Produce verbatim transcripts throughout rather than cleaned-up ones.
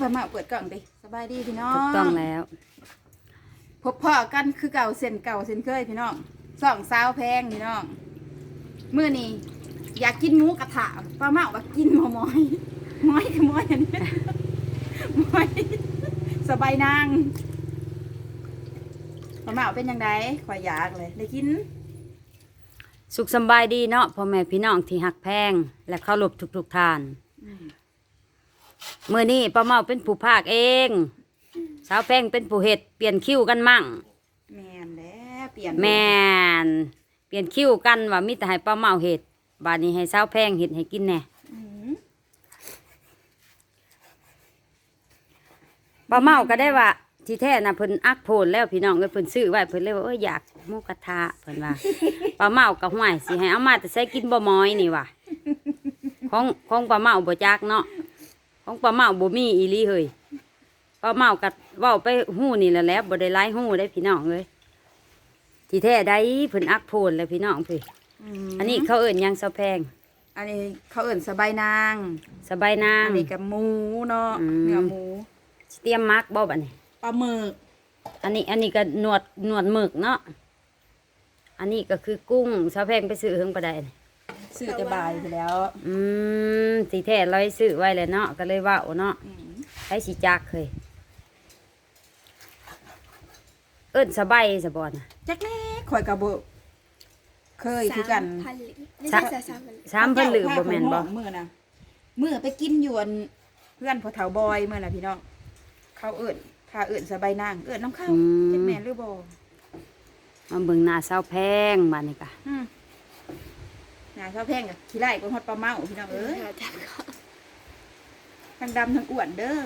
พอมาเปิดกล่องดิสบายดีพี่น้องถูกต้องแล้วพบพ่อกันคือเก่าเส้นเก่าเส้นเคยพี่น้องสองสาวแพงพี่น้องมื้อนี้อยากกินหมูกระทะป้าเมาว่ากินหมอมอยมอยคือมอยอันนี้มอยสบายนางป้าเมาเป็นยังไงข่อยอยากเลยได้กินสุขสบายดีเนาะพ่อแม่พี่น้องที่หักแพงและเคารพทุกๆท่านเมื่อนี้ป้าเมาเป็นผู้ภาคเองสาวแพงเป็นผู้เฮ็ดเปลี่ยนคิวกันมั่งแม่นแล้วเปลี่ยนแม่นเปลี่ยนคิวกันว่ามีแต่ให้ป้าเมาเฮ็ดบาดนี้ให้สาวแพงเฮ็ดให้กินแน่ป้าเมาก็ได้ว่าที่แท้น่ะเพิ่นอักโพนแล้วพี่น้องเอ้ยเพิ่นซื้อไว้เพิ่นเลยว่าเอ้ยอยากหมูกระทะเพิ่นว่า ป้าเมาก็ห่วยสิให้เอามาแต่ใส่กินบ่ม้อยนี่ว่ะของของป้าเมาบ่จักเนาะของป้าเมาบ่มีอีหลีเฮ้ยป้าเมาก็เว้าไปฮู้นี่แหละแหล้วบ่ได้หลายฮู้ได้พี่น้องเอ้ยที่แท้ได้เพิ่นอักโพนแล้วพี่น้องพี่อันนี้เขาเอิ้นหยังซะแพงอันนี้เขาเอิ้นสบายนางสบายนางอันนี้กับหมูเนาะเนื้อหมูเตรียมมักบ่บัดนี้ปลาหมึกอันนี้อันนี้ก็หนวดหนวดหมึกเนาะอันนี้ก็คือกุ้งซะแพงไปซื้อเฮิงบ่ได้ซื้อจะบายไปแล้วอืมสีแท้ร้อยซื้อไว้เลยเนาะก็เลยว่าโอ้เนาะใช้สีจักเคยเอิ้นสบายสะบอนจักแน่ข่อยกระเบเคยคือกันสามพันหรือบ่แม่นบ่มื้อน่ะมื้อไปกินอยู่เพื่อนพ่อเฒ่าบอยมื้อน่ะพี่น้องเขาเอิ้นถ้าเอิ้นสบายนางเอิ้นน้ำข้าวจักแม่นหรือบ่มาเบิ่งหน้าสาวแพงบัดนี้ก็หน้าสาวแพงก็ขี้ไล่ก็ฮอดปลาเมาพี่น้องเอ้ยทั้งดำทั้งอ้วนเด้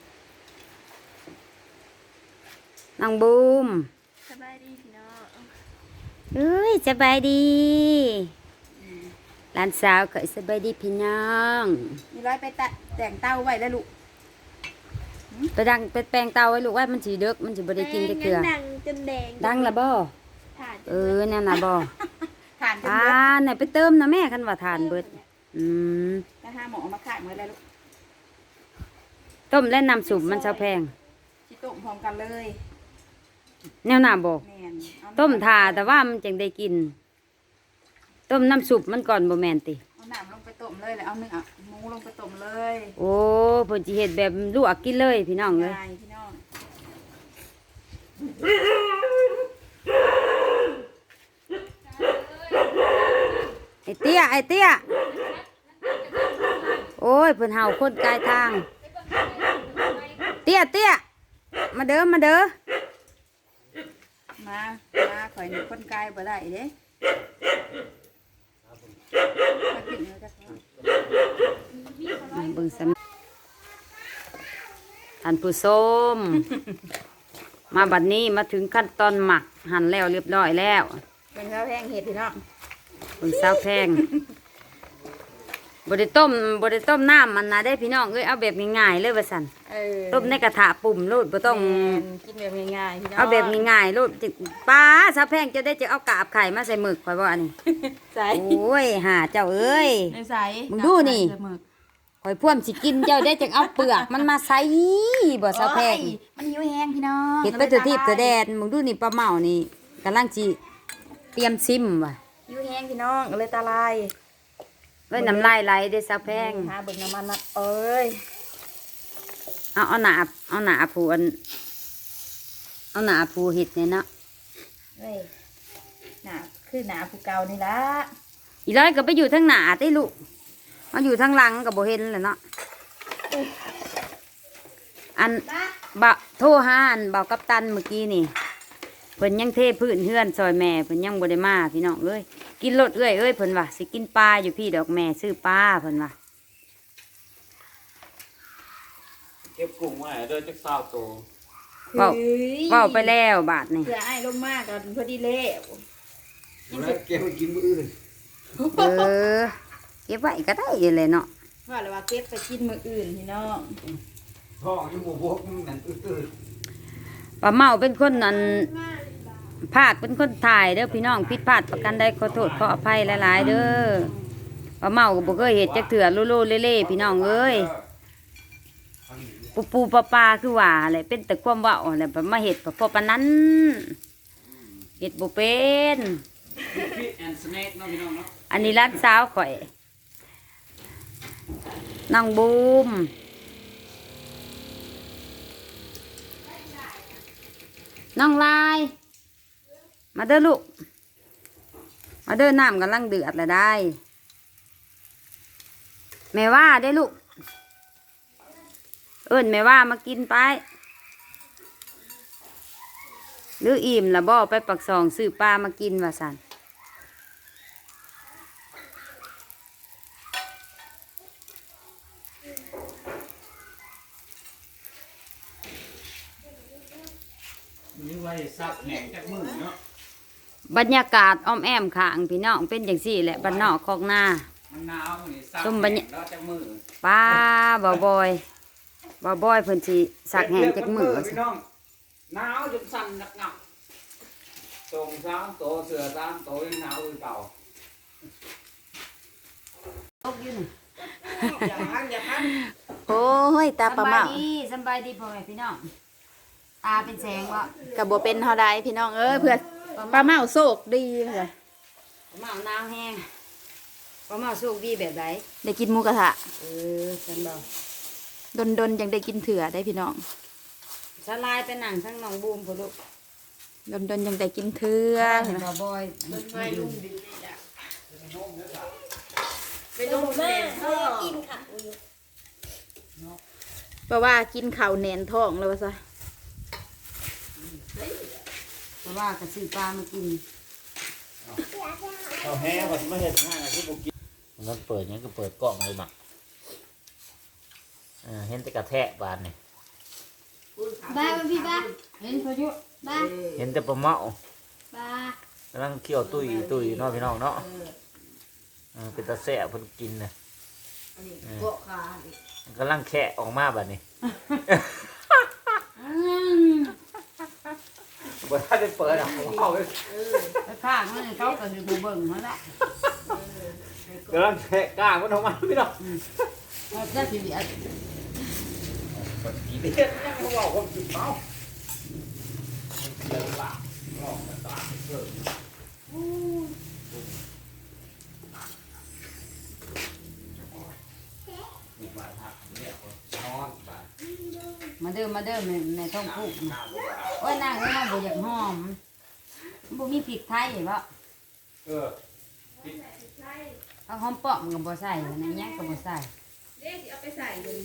อนางบูมสบายดีพี่น้องเอ้ยสบายดีหลานสาวก็สบายดีพี่น้องมีร้อยไปแต่งเต้าไว้แล้วลูกไปดังไปแปลงเตาไว้ลูกว่ามันสีเด็กมันสีบไดกินได้เกลือดังจนแดงดังละบ่เออนั่นน่ะบ่ทานจนเบิดอ่าไหนไปเติมนะแม่คันว่าทานเบิดอืมถ้าห้าหมอมาขายเมื่อไรลูกต้มและน้ำสุปมันจะแพงชิต้มพร้อมกันเลยแนวหน้าบ่ต้มทาแต่ว่ามันจังได้กินต้มน้ำสุปมันก่อนบ่แม่นติเอาน้ำลงไปต้มเลยแล้วเอาเนื้อหมูลงไปต้มเลยโอ้เพิ่นสิเฮ็ดแบบลวกกินเลยพี่น้องเลยพี่น้องไอเตี้ยไอเตี้ยโอ้ยเพิ่นเห่าคนกายทางเตี้ยเตี้ยมาเด้อมาเด้อมามาข่อยหนึ่งคนกายบ่ได้เด้เบิ่งสำท่านผู้ชมมาบัดนี้มาถึงขั้นตอนหมักหั่นแล้วเรียบร้อยแล้วเป็นข้าวแพงเห็ดพี่น้องเบิ่งสาวแพงบไดต้มบไดต้มน้ำมันนะได้พี่น้องเอ้ยเอาแบบง่ายๆเลยว่าสั่นต้มในกระถาปุ่มโลดบ่ต้องกินแบบง่ายๆพี่น้องเอาแบบง่ายๆโลดป้าสาวแพงจะได้จะเอากาบไข่มาใส่หมึกข่อยบ่อันนี้ใส่โอ้ยหาเจ้าเอ้ยใส่มึงดูนี่ข่อยพ่วมสิกินเจ้าได้จะเอาเปลือกมันมาใส่บ่สาวแพงมันหิวแห้งพี่น้องเห็ดไปตัวทิพย์ตัวแดนมึงดูนี่ปลาเมานี่กำลังสิเตรียมซิมว่ะหิวแห้งพี่น้องเลยตาลายเอ้ยน้ำลายไหลเด้สาวแพงหาเบิ่งน้ำมันนะเอ้ยเอาเอาหนาเอาหนาผูอันเอาหนาผูเห็ดเนี่ยเนาะเฮ้ยหนาคือหนาผูเก่านี่ละอีร้อยก็ไปอยู่ทั้งหนาได้ลูกมาอยู่ทั้งหลังกับโบเห็นเลยเนาะอันบะโทรหาอันเบากัปตันเมื่อกี้นี่เพิ่นยังเทพื้นเฮือนซอยแม่เพิ่นยังบ่ได้มาพี่น้องเอ้ยกินรถเอ้ยเอ้ยเพิ่นว่าสิกินปลาอยู่พี่ดอกแม่ซื้อปลาเพิ่นว่าเก็บกุ้งไว้เดินจักสาวโตเว้าเว้าไปแล้วบาทนี่เผื่อไอ้ลงมากกันพอดีเล่แล้วเก็บไปกินมื้ออื่นเออเก็บไว้ก็ได้เลยเนาะว่าเลยว่าเก็บไปกินมื้ออื่นพี่น้องท้องอยู่บ่บกนั่นอื้อป้าเมาเป็นคนนั้นภาคเป็นคนถ่ายเด้อพี่น้องผิดพลาดประกันได้ขอโทษขออภัยหลายๆเด้อป้าเมาก็บ่เคยเฮ็ดจักเถื่อโลโลเล่ๆพี่น้องเอ้ยปูปูปลาปลาคือว่าอะไรเป็นแต่ความเว่าอะไรแบบมาเห็ดพอปานนั้นเห็ดบ่เป็นฟิตแอนด์สแน็คเนาะพี่น้องเนาะอันนี้ร้านสาวข่อยน้องบูมน้องลาย มาเด้อลูก มาเด้อน้ำกำลังเดือดแล้วได้ แม่ว่าได้ลูก เอิ้นแม่ว่ามากินไปหรืออิ่มละบ่ไปปักซองซื้อปลามากินว่าสันนี่ไว้ซักแห้งจากมือเนาะบรรยากาศอ้อมแอมขางพี่น้องเป็นอย่างสี่แหละบ้านนอกคอกหน้ามันหนาวนี่ซักส้มแห้บรรง ยาแล้วจากมือป้าบ่าวบอยบ่าวบอยเพิ่นสิสักแหงจากมือพี่น้องหนาวจนสั่นนักหนักส่งสามโตเสือสามโตยังหนาวอยู่เก่าตกอยู่นี่อย่าพันอย่าพันโอ้ยตาปลาสำเมาบายดีสำบายดีพ่อแม่พี่น้องตาเป็นแสงวะกับบ่เป็นเท่าใดพี่น้องเอ้ยเพื่อนปลาเมาโศกดีเพื่อนปลาเมาหนาวแห้งปลาเมาสุกดีแบบไหนได้กินหมูกระทะเออฉันบอกดนดนๆยังได้กินเถื่อได้พี่น้องสลายไปหนังทั้งน้องบูมพ่อลูกดนดนๆยังได้กินเถื่อเห็นบ่าวบอยไปลุงดิไปลุงแม่เขากินค่ะเพราะว่ากินข้าวแหนนท้องแล้วว่าซะเพราะว่ากระสือปลามากินเอาแห้งก่อนไม่เห็นง่ายนะที่บุกินมันเปิดยังก็เปิดกล่องเลยมั้งเออเห็นแต่กระแทกบานนี่บ้าพี่บ้าเห็นพายุบ้าเห็นแต่ปลาเมาบ้ากำลังเคี่ยวตุ้ยตุ้ยเนาะพี่น้องเนาะเออเป็นตาแสบเพิ่นกินนะเกาะขามันกำลังแคะออกมาแบบนี้อืมบ่ถ้าได้เปิดอ่ะผมเอาไปไปข้างนั่นเขาก็ดูเบิ่งมาละกำลังแคะกล้างมันออกมาพี่น้องเอาได้ทีเดียวกี่เดือนยังเขาบอกผมจิบเมาเดินหลังลองมาตาเพิ่มนี่มาทักเนี่ยนอนไปมาเดิมมาเดิมในในท้องคุกโอ้ยนางนี่มันบ่อยากหอมบ่มีพริกไทยบ่เออเอาหอมป้อมก็บ่ใส่นะหยังก็บ่ใส่เด็กเอาไปใส่เลย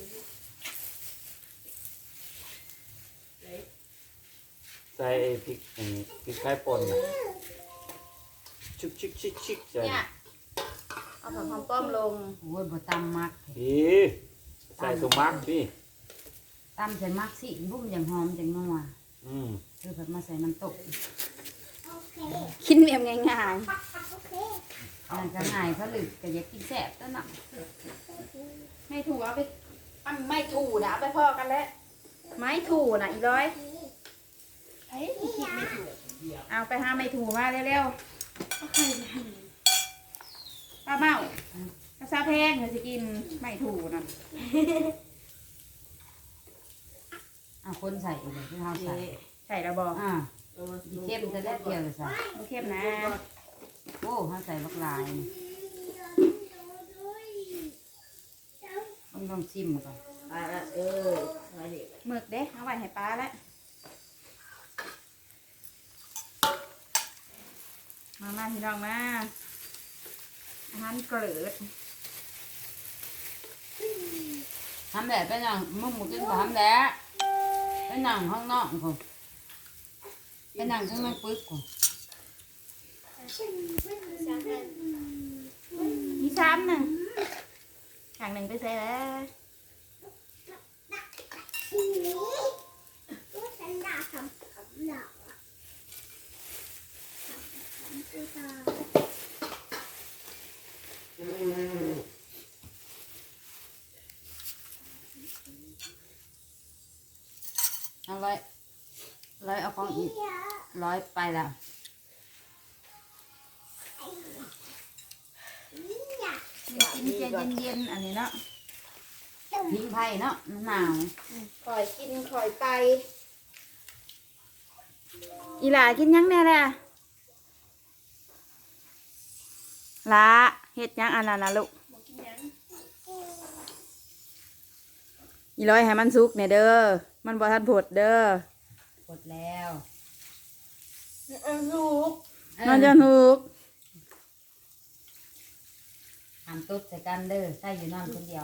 ใส่พริกอันนี้พริกไทยป่นนะชิกชิกชิกชิกใส่เนี่ยเอาผักหอมป้อมลงโอ้ยบ่ตำมักดีใส่สมักดิตำใส่มักสิบุ้มอย่างหอมจังนัวอืมคือแบบมาใส่น้ำตกกินเมียมง่ายนั่นก็ง่ายเขาลึกก็อยากกินแซ่บตัวน่ะๆไม่ถูเอาไปอันไม่ถูนะเอาไปพ่อกันแล้วไม้ถูนะอีร้อยเฮ้ยคิดไม่ถูกเอาไปหาไม่ถูมาเร็วๆป้าเมากระซาแพงเดี๋ยวจะกินไม่ถูนะเอาคนใส่เลยที่เขาใส่ใส่ระบอกอ่าอีเข้มจะได้เกี่ยวเลยใส่ไม่เข้มนะโอ้เขาใส่บักลายนี่ต้องลองชิมก่อนอ่าเออมาดิหมึกเด้เอาไว้ให้ป้าแล้วมามาพี่น้องมาอาหารเกลือทำแบบเป็นอย่างมึงหมูกินก็ทำแล้วเป็นหนังข้างนอกกูเป็นหนังข้างในปึ๊กกูมีซ้ำหนึ่งห่างหนึ่งไปใส่แล้วเอาร้อยร้อยเอาของอีกร้อยไปแล้วกินเย็นเย็นๆอันนี้เนาะทิ้งไผ่เนาะมันหนาวคอยกินคอยไป อีหลากินหยังแน่แหละละเฮ็ดหยังอันนั้นนะลูกอีร้อยให้มันสุกเนี่ยเด้อมันบ่ทันผดเด้อหมดแล้วลูกมันจะถูกทำตุ๊ดใส่กันเด้อใส่อยู่นอนคนเดียว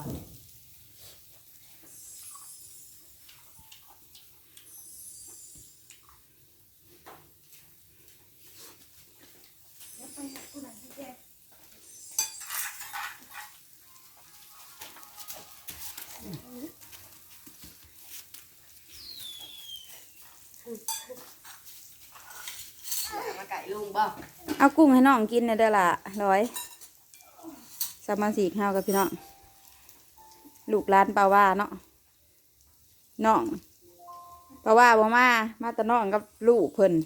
มาไก่ลุงบ่เอากุ้งให้น้องกินเนี่ยเด้อล่ะร้อยสามพันสี่ข้าวกับพี่น้องลูกร้านปลาว่าเนาะน้องปลาว่าบ่มามาแต่น้องกับลูกเพิ่น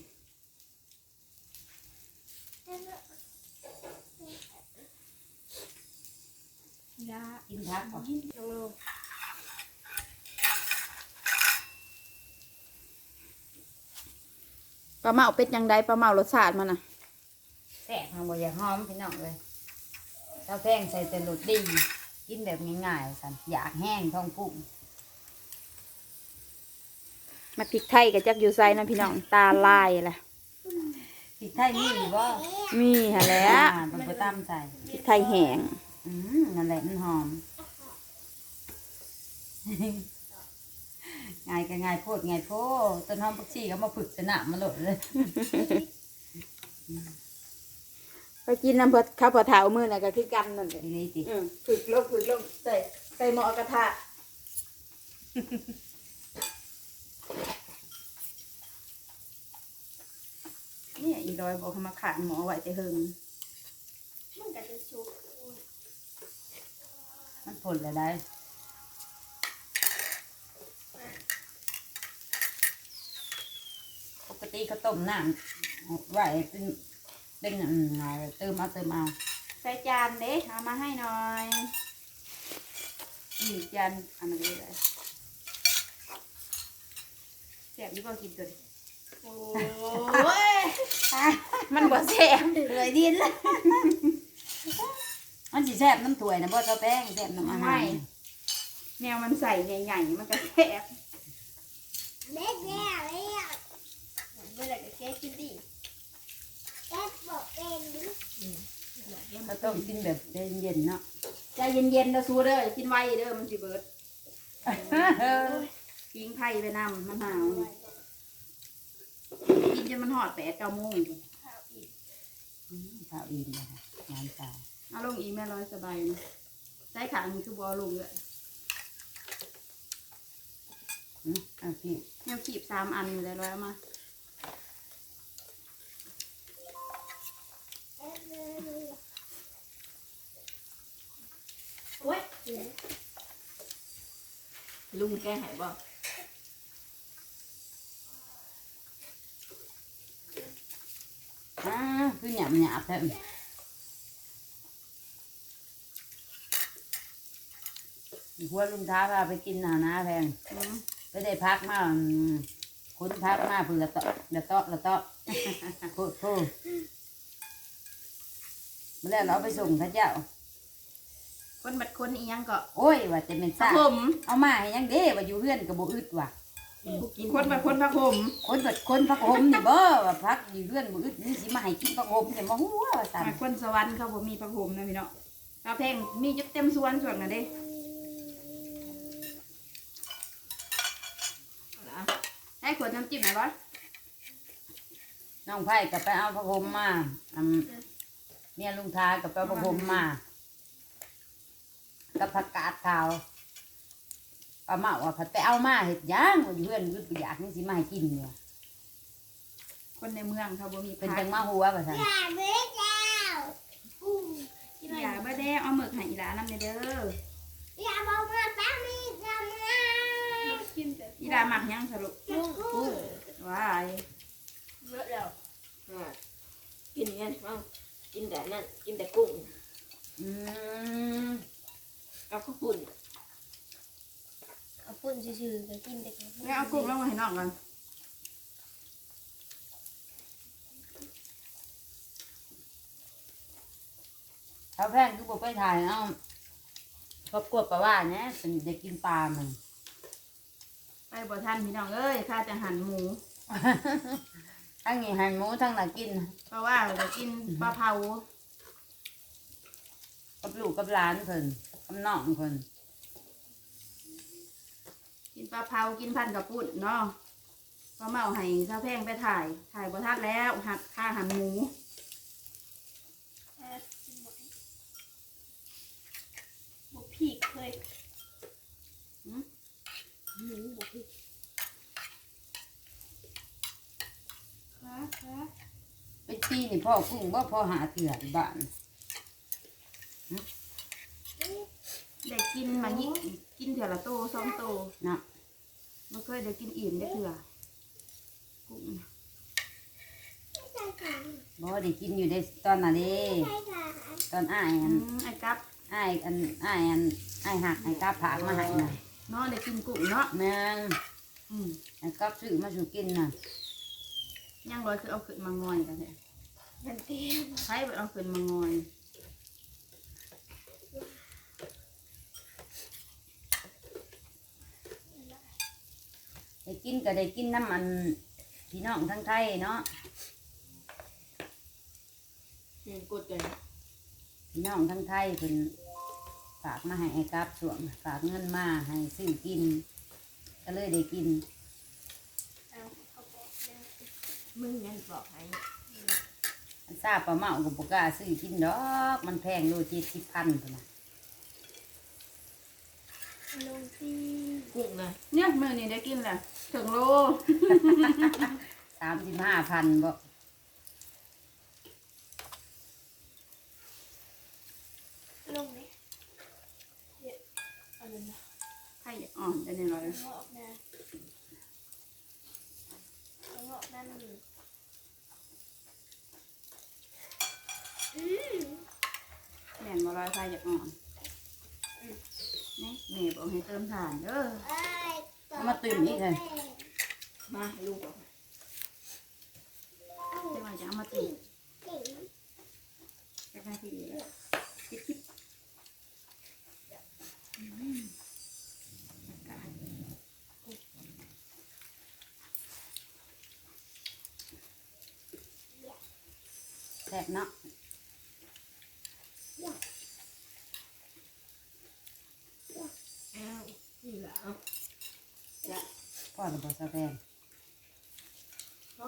ยากินพักก่อนน้องลูกปลาเมาเป็ดยังไดปลาเมารสชาติมันน่ะแซ่บทางบ่อยากหอมพี่น้องเลยเจ้าแพงใส่แต่รสดีกินแบบง่ายๆสันอยากแห้งท้องพุ่งมาพริกไทยกับจักอยู่ไซนะพี่น้องตาลายแหละพริกไทยมีหรือว่ามีหะแหล้วมันก็ตามใส่พริกไทยแห้งอืมนั่นแหละมันหอม ง่ายก็ง่ายโพดง่ายโพดต้นหอมผักชีก็มาฝึกสนามมาโหลดเลยไปกินน้ำเพื่อข้าวผัดเถามือน่ะก็คือกันนั่นแหละทีนี้ติอืมฝึกลงฝึกลงใส่ใส่หม้อกระทะเนี่ยอีดอยบอกให้มาขานหมอไว้แต่เฮิงมันก็จะสุกมันผลอะไรได้ปกติเขาต้มน้ำไว้เป็นเป็นอืมเติมเอาเติมเอาใส่จานเด้เอามาให้หน่อยนี่จานอันนั้นเลยแซ่บยี่ปอกินตัวนี้โอ้ยมันบ่แซ่บเลยดินละมันสิแซ่บน้ำถ้วยนะบ่เจ้าแป้งแซ่บน้ำอาหาไม่รแนวมันใส่ใหญ่ๆมันก็แซ่บเด็กแย่เลยอ่ะเมื่อไหร่จะแก้กินดิแก้บอกเป็นเขาต้องกินแบบเย็นๆเนาะใจเย็นๆนะซูเด้ออย่ากินไวเด้อมันสิเบิดทิ้งไผ่ไปนำมันหนาวกินจนมันหอดแปดเก้าโมงอืมข้าวอิ่มนะคะงานตายเอาลงอีกแม่ร้อยสบายนะใส่ขางคือบอลงเลยอืมเอาพี่แนวขีบสามอันอยู่เลยร้อยเอามาโอ้ยลุงแกหายบ่อ่าคือหยาบหยาบแท้หัวลุงท้าพาไปกินหนาหนาแพงอืมไปได้พักมาอืมคุณพักมาเพื่อละเตาะละเตาะละเตาะพูดพูดเมื่อแล้วเราไปส่งพระเจ้าคนบัดคนอีหยังก็โอ้ยว่าจะเป็นพระซ่าผมเอามาให้ยังเด้ว่าอยู่เพื่อนกับโบอึดว่ะคนบัดคนพระผมคนแบบคนพักหมนี่เบ้อว่าพักอยู่เพื่อนโบอึดนี่สิมาให้กินพักหมเนี่ยมาหัวว่าสั่นอ่ะคนสวรรค์เขาบ่มีพระผมนะพี่เนาะเราแพงมีจุดเต็มสวนส่วนน่ะเด้ให้ขวดน้ำจิ้มหน่อยบ่น้องไผ่กับไปเอาพักหมมาอืมเมียลุงท้ากับไปเอาพักหมมากับผักกาดขาวป้าเมาว่าผัดไปเอามาเห็ดหย่างว่าอยู่เพื่อนอึดบ่อยากนี่สิมาให้กินเนี่ยคนในเมืองเขาบ่มีเป็นผัจักงมาหัวว่าสั่นอย่าเบื่อเจ้าอย่าบ่ได้เอาหมึกให้อีหลานำเด้ออย่าบอกมาป้ามีอย่ามากินแต่อีหลาหมักหยังสรุปกุ้งว้ายเมื่อแล้วกินเงี้ยมั้งกินแต่นั่นกินแต่กุ้งอืมกับข้าวปุ่นปุ่นซื่อๆก็กินแต่กับแล้วเอากุ้งลงมาให้น้องกันเขาแพงคือบอกไปถ่ายเอาครอบครัวปลาว่าเนี่ยเป็นจะกินปลามันไปบ่ทันพี่น้องเอ้ยข้าจะหั่นหมูทั้งนี้หันหมูทั้งน่ะกินเพราะว่าจะกินปลาเผากับลูกกับหลานเพิ่นกับน้องเพิ่นกินปลาเผากินพันกับปุ่นเนาะก็เมาให้ข้าวแพงไปถ่ายถ่ายบ่ทันแล้วหักค่าหั่นหมูอ่ะกินหมดบุกพีกเคยหืมหมูบุกพีกค่ะค่ะไปปีนี่พ่อกุ้งว่าพ่อหาเถื่อนบ้านได้กินมายิกินเถื่อละโตสองโตเนาะไม่เคยได้กินอิ่มได้เถื่อกุ้งใช่ค่ะบ่ได้กินอยู่ในตอนน่ะเด้ใช่ค่ะตอนอ้ายอือันมไอ้กับอ้ายอันอ้ายอันอ้ายหักไอ้กาผากมาให้น่ะเนาะได้กินกุ้งเนาะแม่นอืมไอ้กาซื้อมาสู่กินน่ะย่างร้อยคือเอาขึ้นมางอยกันแท้มันเต็มใช้เอาขึ้นมางอยได้กินก็ได้กินน้ำมันพี่น้องทั้งไทยเนาะเห็นกดเลยพี่น้องทั้งไทยเพิ่นฝากมาให้ไอ้กาส่วงฝากเงินมาให้ซื้อกิน ก็เลยได้กินเอาเขาบอกแล้วมึงยังบอกให้อันซาปลาเมากับปกล้าซื้อกินดอกมันแพงโลเจ็ดสิบพันพุ่นน่ะลงที่กุ้งนะเนี่ยมือนี่ได้กินแหละถึงโลสามสิบห้าพันบ่ลงเลยเดี๋ยวเอาเลยนะไข่อ่อนจะในร้อยงอกนะงอกนั่นอืมแม่นมาร้อยไข่จะอ่อนนี่แม่บอกให้เติมถ่านเด้อเอามาตื่นอีกเลยมาให้ลูกบอกจะมาจะเอามาตีจะมาตีแล้วคิดคิดอืมอากาศแซ่บเนาะอ้าวนี่แหละเอาจะพ่อระบบสแพงเข้า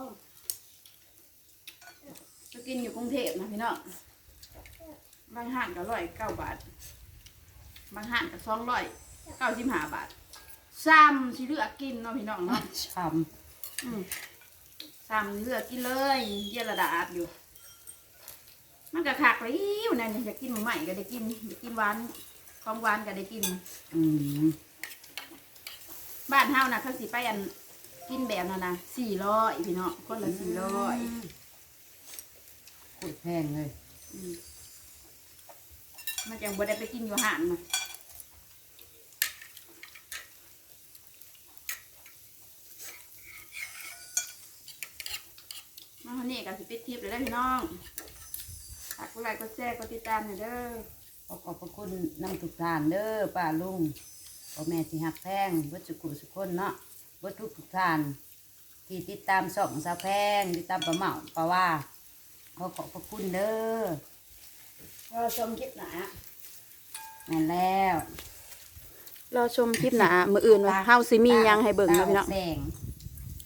ไปกินอยู่กรุงเทพนะพี่น้องบางห้างก็ร้อยเก้าบาทบางห้างก็สองร้อยเก้าสิบห้าบาทซ้ำสิเลือกกินเนาะพี่น้องเนาะช้อืมซ้ำเลือกกินเลยเยอะระดาบอยู่ มันก็คักเลยอยู่นั่นอยากกินหมูใหม่ก็ได้กินอยากกินหวานของหวานก็ได้กินำอืมบ้านเฮานะเขาสิไปอันกินแบบนั้นนะสี่ร้อยพี่น้องคนละสี่ร้อยโคตรแพงเลยมันจังบ่ได้ไปกินอยู่ห้างนะมาคนนี้ก็สิปิดคลิปเลยได้อพี่น้องฝากกดไลค์กดแชร์กดติดตามหน่อยเด้อขอขอบพระคุณน้ำทุกทานเด้อป้าลุงพ่อแม่สิหักแพงเบิดสุกุสุกคนเนาะเบิดทุกทุกทาน ที่ติดตามส่องสาวแพงติดตามป้าเมาป้าว่าขอขอบพระคุณเด้อรอชมคลิปหนาแม่นแล้วรอชมคลิปหนามืออื่นว่าเฮาสิมียังให้เบิ่งนะพี่น้องแสง